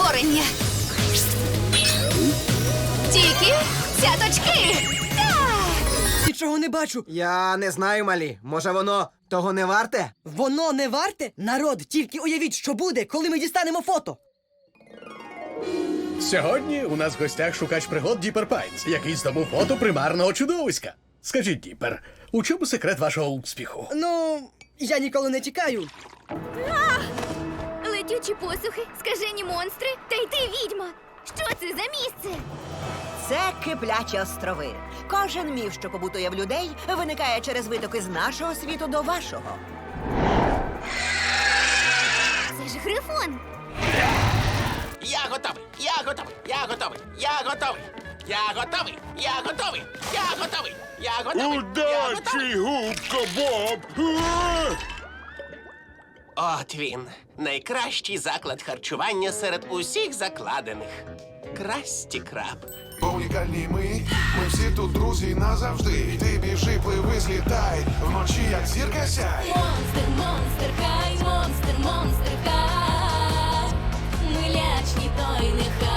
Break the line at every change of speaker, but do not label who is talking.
створення. Тільки цяточки. Так!
Нічого не бачу.
Я не знаю, малі. Може, воно того не варте?
Воно не варте? Народ, тільки уявіть, що буде, коли ми дістанемо фото.
Сьогодні у нас в гостях шукач пригод Діпер Пайнс, який здобув фото примарного чудовиська. Скажіть, Діпер, у чому секрет вашого успіху?
Ну, я ніколи не тікаю.
Летючі посухи, скажені монстри, та й ти відьма. Що це за місце?
Це Киплячі острови. Кожен міф, що побутує в людей, виникає через витоки з нашого світу до вашого.
Це ж Грифон.
Я готовий! Я готовий! Я готовий! Я готовий! Я готовий! Я готовий! Я готовий! Я готовий!
Удачі, губка Боб!
От він. Найкращий заклад харчування серед усіх закладених. Красті Краб.
Унікальні ми всі тут друзі назавжди. Ти біжи, пливи, злітай, вночі як зірка сяй.
Монстр, монстр, хай, монстр, монстр, хай. Ми лячні, то й нехай.